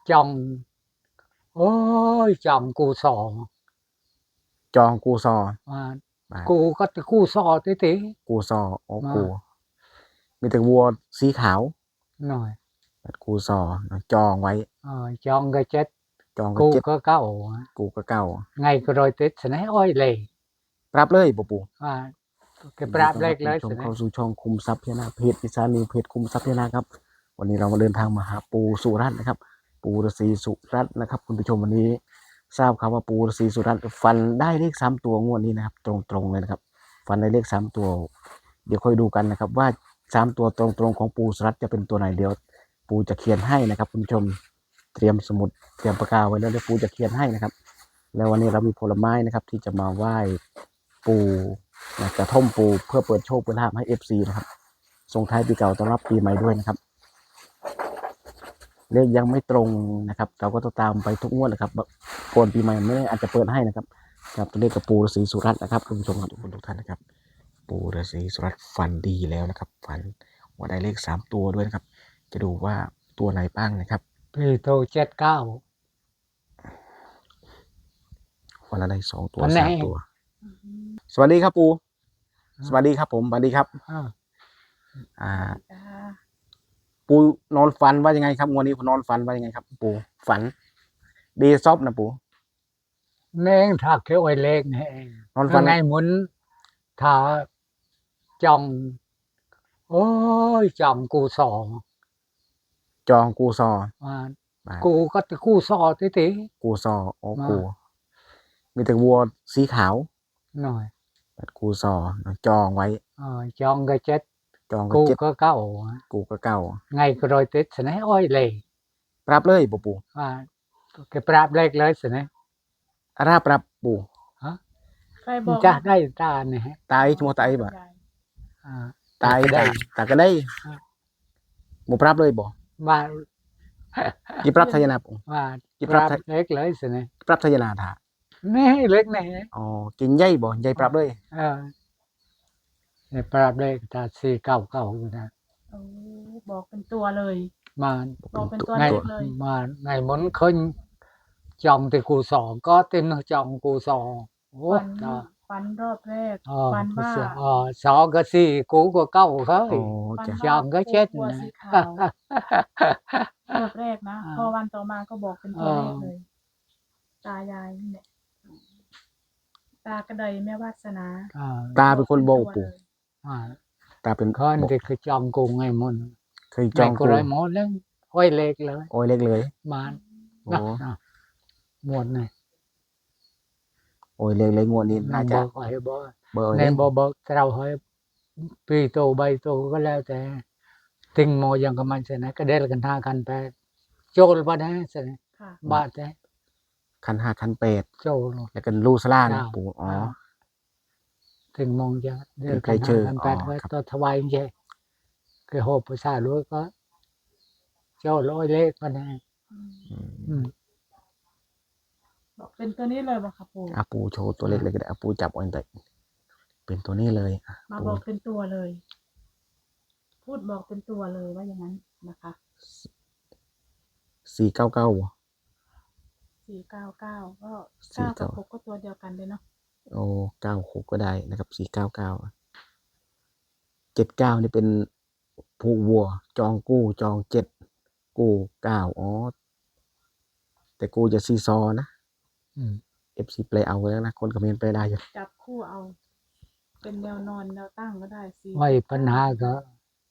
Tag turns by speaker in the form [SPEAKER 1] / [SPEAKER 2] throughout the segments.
[SPEAKER 1] chồng ôi chồng cụ sò
[SPEAKER 2] จองกูซอ
[SPEAKER 1] mà
[SPEAKER 2] บาท
[SPEAKER 1] cụ có cái cụ sò tí tí
[SPEAKER 2] กูซอโอ้
[SPEAKER 1] mà
[SPEAKER 2] กูมีแต่วัวสีขาว
[SPEAKER 1] rồi
[SPEAKER 2] กูซอจองไว้
[SPEAKER 1] chọn cái chết
[SPEAKER 2] จองก็
[SPEAKER 1] cụ
[SPEAKER 2] เจ็ด
[SPEAKER 1] có cậu
[SPEAKER 2] กูก็เก่า
[SPEAKER 1] ngày rồi Tết sẽ nói ôi lì
[SPEAKER 2] ปรับเลยปู่ปู่
[SPEAKER 1] mà cái prap lên
[SPEAKER 2] ช
[SPEAKER 1] lấy
[SPEAKER 2] ม
[SPEAKER 1] sẽ
[SPEAKER 2] เข้า
[SPEAKER 1] nói
[SPEAKER 2] สู่ช่องคุมทรัพย์พญานาคเพจพิซานิวเพจคุมทรัพย์พญานาคครับวันนี้เรามาเดินทางมาหาปู่สุรัตน์นะครับปู่ฤาษีสุรัตน์นะครับคุณผู้ชมวันนี้ทราบครับว่าปู่ฤาษีสุรัตน์ฟันได้เลข3 ตัวงวดนี้นะครับตรงๆเลยนะครับฟันได้เลข3 ตัวเดี๋ยวค่อยดูกันนะครับว่า3 ตัวตรงๆของปู่สุรัตน์จะเป็นตัวไหนเดี๋ยวปู่จะเขียนให้นะครับคุณผู้ชมเตรียมสมุดเตรียมปากกาไว้แล้วเดี๋ยวปู่จะเขียนให้นะครับแล้ววันนี้เรามีผลไม้นะครับที่จะมาไหว้ปู่กระท่อมปู่เพื่อเปิดโชคเปิดลาภให้ FC นะครับส่งท้ายปีเก่าต้อนรับปีใหม่ด้วยนะครับเลขยังไม่ตรงนะครับเราก็ต้องตามไปทุกงวดนะครับก่อนปีใหม่ไม่แน่อาจจะเปิดให้นะครับกับตัวเลขกับปู่ฤาษีสุรัตน์นะครับคุณผู้ชมทุกคนทุกท่านนะครับปู่ฤาษีสุรัตน์ฝันดีแล้วนะครับฝันว่าได้เลข3 ตัวด้วยนะครับจะดูว่าตัวไหนบ้างนะครับ
[SPEAKER 1] thì tôi chết cao
[SPEAKER 2] วันละได้2 ตัว
[SPEAKER 1] วันไหน
[SPEAKER 2] 3 ตัวสวัสดีครับปู่สวัสดีครับผมสวัสดีครับ
[SPEAKER 1] à,
[SPEAKER 2] ปู่นอนฝันว่ายังไงครับงวดนี้ผมนอนฝันว่ายังไงครับปู่ฝันดีซอบนะปู่
[SPEAKER 1] nên thà cái ôi lên này
[SPEAKER 2] นอนฝัน
[SPEAKER 1] ngày muốn thà chồng ôi chồng cụ sò
[SPEAKER 2] จองกูซอ
[SPEAKER 1] mà
[SPEAKER 2] บาท
[SPEAKER 1] cụ có cái cụ sò tí tí
[SPEAKER 2] กูซอโอ้
[SPEAKER 1] มา
[SPEAKER 2] กูมีแต่วัวสีขาว
[SPEAKER 1] rồi
[SPEAKER 2] กูซอจองไว้
[SPEAKER 1] chọn cái chết
[SPEAKER 2] จองก็
[SPEAKER 1] cụ
[SPEAKER 2] เจ็ด
[SPEAKER 1] có cậu
[SPEAKER 2] กูก็เก่า
[SPEAKER 1] ngày rồi Tết sẽ nói ôi lì
[SPEAKER 2] ปรับเลยปู่
[SPEAKER 1] cái prap lên lấy sẽ nói
[SPEAKER 2] อาราปรับปู่
[SPEAKER 3] ใครบอก
[SPEAKER 1] cha đây ta này
[SPEAKER 2] ตายชั่วโมงตายบ่ ตาย
[SPEAKER 1] đây
[SPEAKER 2] ตาก็ได้บ่ปรับเลยบ่
[SPEAKER 1] mà
[SPEAKER 2] กี่ปรับทายนาปู่
[SPEAKER 1] mà
[SPEAKER 2] Cái prap
[SPEAKER 1] prap lên lấy sẽ nói
[SPEAKER 2] ปรับทายนาถา
[SPEAKER 1] này lên này
[SPEAKER 2] อ๋อกินใหญ่บ่ใหญ่ปรับเลย
[SPEAKER 1] cái prap lên ta xì cậu cậuนะ
[SPEAKER 3] โอ้บอกเป็นตัวเลย
[SPEAKER 1] mà
[SPEAKER 3] บอกเป็นตัว
[SPEAKER 1] ngày
[SPEAKER 3] เลขเลย
[SPEAKER 1] mà ngày muốn khơi chồng thì cụ sò có tên chồng cụ sò
[SPEAKER 3] ฟัน
[SPEAKER 1] đó
[SPEAKER 3] ฟันรอบแรก ฟันว่า
[SPEAKER 1] sò cái gì cũ của cậu
[SPEAKER 2] อ๋
[SPEAKER 1] khơi
[SPEAKER 2] อ
[SPEAKER 3] ฟัน
[SPEAKER 2] จ้ะ
[SPEAKER 3] ว่า
[SPEAKER 1] chồng cái chết
[SPEAKER 3] วัว
[SPEAKER 1] này
[SPEAKER 3] สีขาวรอบแรกนะ พอวันต่อมาก็บอกเป็นตัวเลขเลย ตายายนี่แหละตากระไดแม่วาสนา
[SPEAKER 2] ตาเป็นคนบอกปู่ ตาเป็น
[SPEAKER 1] khơi
[SPEAKER 2] บอก
[SPEAKER 1] thì cái chồng cụ ngày muốn
[SPEAKER 2] เคยจอง
[SPEAKER 1] ngày
[SPEAKER 2] กู
[SPEAKER 1] cô đấy muốn lên ôi lệchเลย
[SPEAKER 2] โอ้ยเล็กเลย
[SPEAKER 1] mà
[SPEAKER 2] โอ้
[SPEAKER 1] muộn này
[SPEAKER 2] โอ้ยเล็กเลยงวดนี้น่า
[SPEAKER 1] nó
[SPEAKER 2] จะ
[SPEAKER 1] bơ hỏi bơ
[SPEAKER 2] เบอร์
[SPEAKER 1] nên bơ trao hỏi pi tô bay tô có leo thế tình mò yang cái mình sẽ này cái đây là cần tha cần phải chôn vào đấy sẽ
[SPEAKER 3] ค่ะ
[SPEAKER 1] ba thế
[SPEAKER 2] คัน5คัน8
[SPEAKER 1] chôn
[SPEAKER 2] แล้วก็ลูซาล่านะ
[SPEAKER 1] จ้า
[SPEAKER 2] ปู่อ๋อ
[SPEAKER 1] tình mong cho đây là
[SPEAKER 2] cái
[SPEAKER 1] cần tha
[SPEAKER 2] chữ,
[SPEAKER 1] cần phải
[SPEAKER 2] ครับ
[SPEAKER 1] tôi thawai như vậy cái hộp của xa lúa có cho lôi lên vào đây
[SPEAKER 3] อืมบอกเป็นตัวนี้เลยบอกค่ะปู่
[SPEAKER 2] ปู่โชว์ตัวเล็กเลยก็ได้ปู่จับเอาแต่เป็นตัวนี้เลย
[SPEAKER 3] มา
[SPEAKER 2] ปู่
[SPEAKER 3] บอกเป็นตัวเลย พูดบอกเป็นตัวเลยว่าอย่างนั้นนะคะ
[SPEAKER 2] 499บ่
[SPEAKER 3] 499ก็
[SPEAKER 2] 499
[SPEAKER 3] 9กับ6ก็ตัวเดียวกันเลยเนาะ
[SPEAKER 2] โอ้96ก็ได้นะครับ499 79นี่เป็นผู้วัวจองกู้จอง7กู้9อ๋อแต่กู้จะซีซอนะ FC แปลเอาแล้วนะคนคอมเมนต์แปลได้อยู่
[SPEAKER 3] จับคู่เอา เป็นแนวนอนแนวตั้งก็ได้4
[SPEAKER 1] vậy phần hai có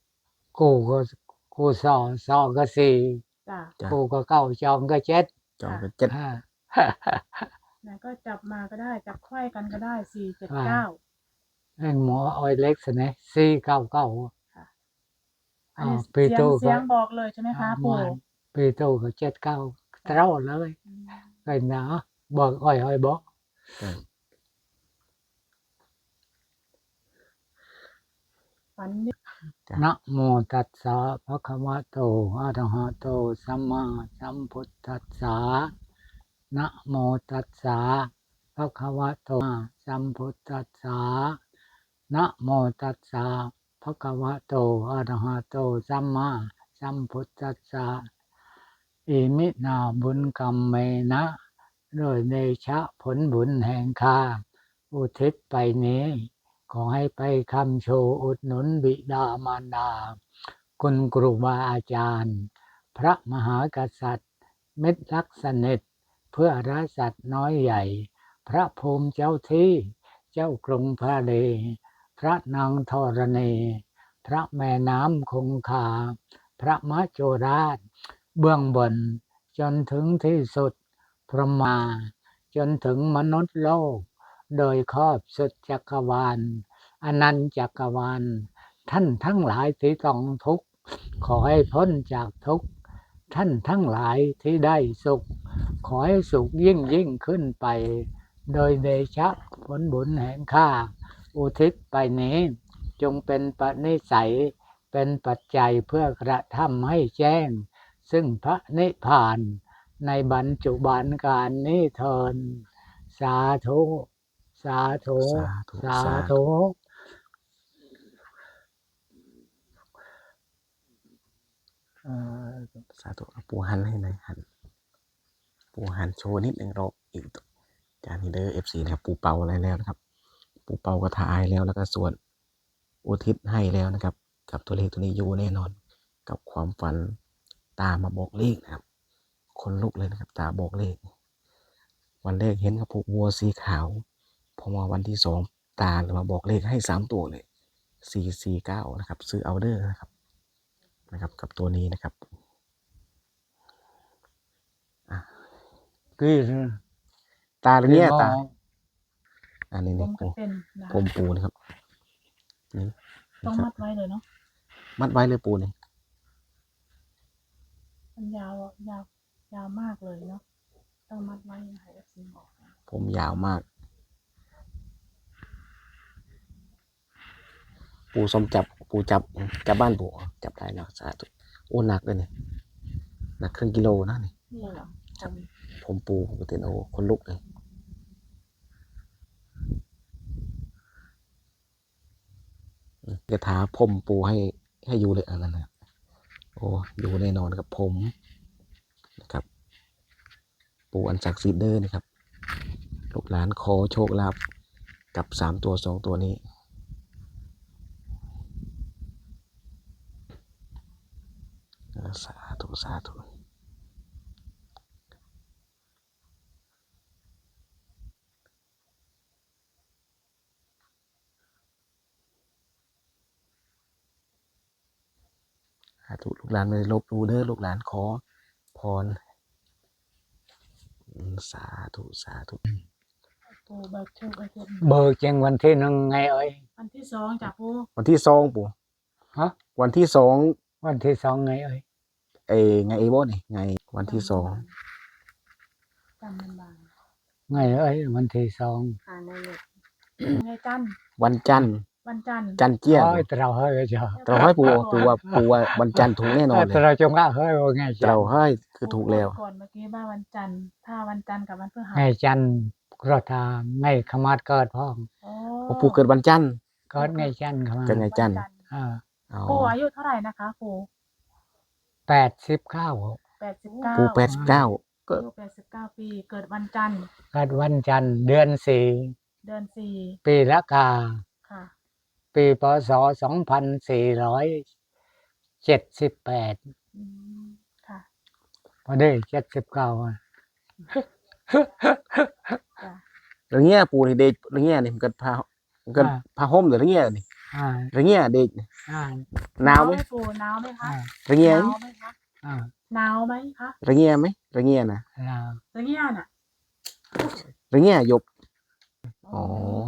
[SPEAKER 1] cô sò cái gì
[SPEAKER 3] จ้ะ
[SPEAKER 2] จ้ะ
[SPEAKER 1] cô có cầu chồng cái chết
[SPEAKER 2] จองก็7
[SPEAKER 3] ไหนก็จับมาก็ได้จับไขว้กันก็ได้479
[SPEAKER 1] anh mỏ oi lệch sẽ này xì cầu cầu
[SPEAKER 3] อันนี้
[SPEAKER 1] pi
[SPEAKER 3] เสียง
[SPEAKER 1] tô
[SPEAKER 3] เสียงบอกเลยใช่ไหมคะปู่
[SPEAKER 1] pi tô có chết cầu trâuเลยcái đó bờ oi bó
[SPEAKER 2] ใช่
[SPEAKER 3] ฝันนี่
[SPEAKER 1] นะโมตัสสะภะคะวะโตอะระหะโตสัมมาสัมพุทธัสสะนะโมตัสสะภะคะวะโตสัมพุทธัสสะนะโมตัสสะภะคะวะโตอะระหะโตสัมมาสัมพุทธัสสะอิมินาบุญกรรมเมนะโดยเดชะผลบุญแห่งข้าอุทิศไปนี้ ขอให้ไปคำโชว์อุดหนุนบิดามารดา คุณครูบาอาจารย์ พระมหากษัตริย์เม็ดรักสนิทเพื่อราสัตว์น้อยใหญ่ พระภูมิเจ้าที่เจ้ากรุงพระเลพระนางธรณีพระแม่น้ำคงคา พระมโจราช เบื้องบนจนถึงที่สุดพรหมาจนถึงมนุษย์โลก โดยครอบสุดจักรวาลอนันตจักรวาลท่านทั้งหลายที่ต้องทุกข์ขอให้พ้นจากทุกข์ท่านทั้งหลายที่ได้สุข ขอให้สุขยิ่งยิ่งขึ้นไป โดยเดชะผลบุญแห่งข้าอุทิศไปนี้ จงเป็นปณิสัยเป็นปัจจัยเพื่อกระทำให้แจ้ง ซึ่งพระนิพพานในบรรจุบันการนี้เทินสาธุสาธุ
[SPEAKER 2] สาธุ
[SPEAKER 1] สา
[SPEAKER 2] สาธุ
[SPEAKER 1] ธุ
[SPEAKER 2] สาธุเอาปูหันให้หน่อยหันปูหันโชว์นิดหนึ่งรอบอีกจานนี้เด้อ FC นะครับปูเป่าอะไรแล้วนะครับ ปูเป่ากระถายแล้วก็ส่วนอุทิศให้แล้วนะครับ กับตัวเลขตัวนี้อยู่แน่นอน กับความฝันตามาบอกเลขนะครับ คนลุกเลยนะครับ ตาบอกเลข วันแรกเห็นกระปุกวัวสีขาวพอมาวันที่2ตามาบอกเลขให้3ตัวเลย449นะครับซื้อเอาเด้อนะครับกับตัวนี้นะครับ
[SPEAKER 1] คือ
[SPEAKER 2] ตาหรือเนี่ยตาอันนี้
[SPEAKER 3] ผ
[SPEAKER 2] นี่
[SPEAKER 3] มก็เป็นนะ
[SPEAKER 2] ผมปูนะครับนี่
[SPEAKER 3] ต้อง
[SPEAKER 2] ครั
[SPEAKER 3] มั
[SPEAKER 2] บ
[SPEAKER 3] ดไว้เลยเนาะ
[SPEAKER 2] มัดไว้เลยปูนี่
[SPEAKER 3] มันยาวยาวมากเลยเนาะต้องมัดไว้ให้เอฟซีบอกนะ
[SPEAKER 2] ผมยาวมาก ปูส้มจับบ้านปูจับได้แล้วสาธุโอ้หนักเลยเนี่ยหนักครึ่งกิโลนะนี่
[SPEAKER 3] นี่เหรอผม
[SPEAKER 2] ผมปูปกติโอ้คนลุกเลยกระถาผมปูให้อยู่เลยอันนั้นนะโอ้อยู่แน่นอนครับผมนะครับ ปูอันศักดิ์สิทธิ์เด้อนะครับลูกหลานขอโชคลาภกับ3ตัว2ตัวนี้สาธุสาธุสาธุลูกหลานไม่ได้ลบหลู่เด้อลูกหลานขอพรสาธุสาธุ
[SPEAKER 3] ปูเบิกโชคไว้เพิ่ม
[SPEAKER 1] เบิกแจ้งวันที่หนึ่งไงเอ้ย
[SPEAKER 3] วันที่2จากปู
[SPEAKER 2] วันที่2ปู่
[SPEAKER 1] ฮะ
[SPEAKER 2] วันที่2
[SPEAKER 1] วันที่2ไงเอ้ย
[SPEAKER 2] ไงไอ้บ่นี่ไงวันที่2
[SPEAKER 3] จำมันบาง
[SPEAKER 1] ไงเอ้ยวันที่2
[SPEAKER 3] อ่านในเน็ตไงจันทร์
[SPEAKER 2] วันจันทร์
[SPEAKER 3] วันจันทร์
[SPEAKER 2] จันทร์เจี้ยน
[SPEAKER 1] โอ้ยเราเฮ้ยจ้ะ
[SPEAKER 2] เราให้ปูว่าวันจันทร์ถูกแน่นอนเลย
[SPEAKER 1] เราจงละเฮ้ยว่าไงจั
[SPEAKER 2] เรา
[SPEAKER 1] น
[SPEAKER 2] ให้คือถูกแล้ว
[SPEAKER 3] ก่อนเมื่อกี้ว่าวันจันทร์ถ้าวันจันทร์กับวันพฤหัส
[SPEAKER 1] ไงจันกระทาไงขมาดเกิดพ้อง
[SPEAKER 3] โอ้
[SPEAKER 2] พอปูเกิดวันจันทร์
[SPEAKER 1] เกิดไงจันขมา
[SPEAKER 2] เกิดไง จันทร์
[SPEAKER 1] อ่า
[SPEAKER 2] อ๋อ
[SPEAKER 3] ปูอายุเท่าไหร่นะคะปู
[SPEAKER 1] 89
[SPEAKER 3] 89
[SPEAKER 2] ปู89ก็
[SPEAKER 3] อายุ89 ปี เกิดวันจันทร์
[SPEAKER 1] เกิดวันจันทร์เดือน
[SPEAKER 3] เดือน
[SPEAKER 1] 4 ปีละกา
[SPEAKER 3] 4 ค่ะ
[SPEAKER 1] ปีพศ2478
[SPEAKER 3] อืมค่ะ
[SPEAKER 1] พอได้79อ่ะ
[SPEAKER 3] จ้ะ
[SPEAKER 2] เรื่องเงี้ยปูนี่เด็กเรื่องเงี้ยนี่มันก็พาห่มหรือเรื่องเงี้ยนี่
[SPEAKER 1] อ่า
[SPEAKER 2] เรื่องเงี้ยเด็ก
[SPEAKER 1] อ่า
[SPEAKER 2] หนาวไหม
[SPEAKER 3] ปูหนาวไหมคะ
[SPEAKER 1] อ่า
[SPEAKER 2] เรื่องเงี้ย
[SPEAKER 3] หนาวไหมคะ
[SPEAKER 1] อ่า
[SPEAKER 3] หนาวไหมคะ
[SPEAKER 2] เรื่องเงี้ยไหมเรื่องเงี้ยนะ
[SPEAKER 1] อ่า
[SPEAKER 3] ตะเกียน่ะ
[SPEAKER 2] เรื่องเงี้ยหยบอ๋อ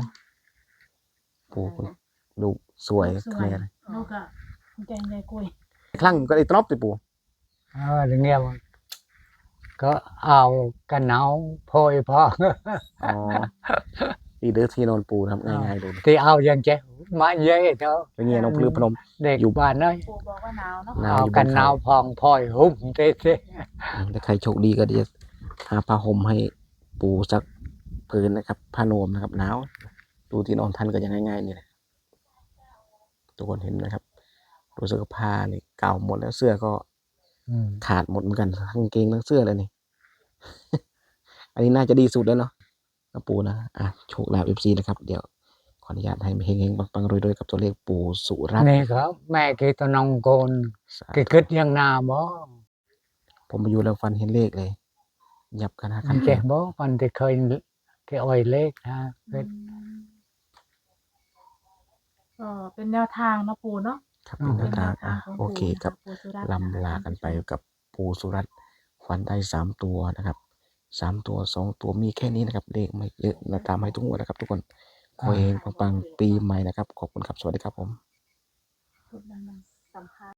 [SPEAKER 2] ปูดูสวย
[SPEAKER 3] สว
[SPEAKER 2] แม่
[SPEAKER 3] ย
[SPEAKER 2] เลย
[SPEAKER 3] ลูกอะใจในกุย
[SPEAKER 2] ครั้งก็ไอ้ตรอบติปู
[SPEAKER 1] อย่างเงี้ยมันก็เอากันหนาวโพยพอ
[SPEAKER 2] อ๋อที่เด้อที่นอนปูทำง่ายๆดู
[SPEAKER 1] ที่เอาอย่างเจ๊มาเยอะเท่า
[SPEAKER 2] เรื่องเงี้ยน้องพลือพนม
[SPEAKER 1] เด็ก
[SPEAKER 2] อยู่
[SPEAKER 1] บ้านเน้อย
[SPEAKER 3] ปูบอกว่าหนาวเนาะ
[SPEAKER 2] หนาว
[SPEAKER 1] เอา
[SPEAKER 2] อยู่บน
[SPEAKER 1] กันหนาว
[SPEAKER 2] เขา
[SPEAKER 1] พองพอยหุ้มเต้
[SPEAKER 2] ถ้าใครโชคดีก็เดี๋ยวหาผ้าห่มให้ปูสักผืนนะครับผ้านวมนะครับหนาวดูที่นอนท่านก็ยังง่ายๆนี่แหละทุกคนเห็นไหมครับรู้สึกว่าผ้านี่เก่าหมดแล้วเสื้อก็ขาดหมดเหมือนกันทั้งกางเกงทั้งเสื้อเลยนี่ อันนี้น่าจะดีสุดแล้วเนาะนะปู่นะโชคลาภ FC นะครับเดี๋ยวขออนุญาตให้เฮงๆปังๆรวยๆกับตัวเลขปู่สุรัตน์
[SPEAKER 1] นี่ครับแม่กีตะนองโกน
[SPEAKER 2] สา
[SPEAKER 1] กี
[SPEAKER 2] ธุ
[SPEAKER 1] คิดยังนาบ่
[SPEAKER 2] ผมมาอยู่แล้วฟันเห็นเลขเลยยับกันนะครั
[SPEAKER 1] มันเจ็บบ่มันที่เคยที่อ่อยเล็กนะ
[SPEAKER 3] อืมก็เป็นแนวทางเนาะปู่เนาะ
[SPEAKER 2] ครับเป็นแน
[SPEAKER 3] เป็
[SPEAKER 2] วน
[SPEAKER 3] แน
[SPEAKER 2] ทาง
[SPEAKER 3] วทางของ
[SPEAKER 2] โอ
[SPEAKER 3] ปู่
[SPEAKER 2] เค
[SPEAKER 3] นะ
[SPEAKER 2] ครั
[SPEAKER 3] คะ
[SPEAKER 2] บ
[SPEAKER 3] ปู่สุรัตน์
[SPEAKER 2] ลำลากันไปกับปู่สุรัตน์ฟันได้3 ตัวนะครับ3 ตัว2 ตัวมีแค่นี้นะครับเลขไม่เยอะนะตามให้ทุกงวดนะครับ ทุกคนขอเฮงปังๆปีใหม่นะครับขอบคุณครับสวัสดีครับผม
[SPEAKER 3] พูดดังๆสัมภาษณ์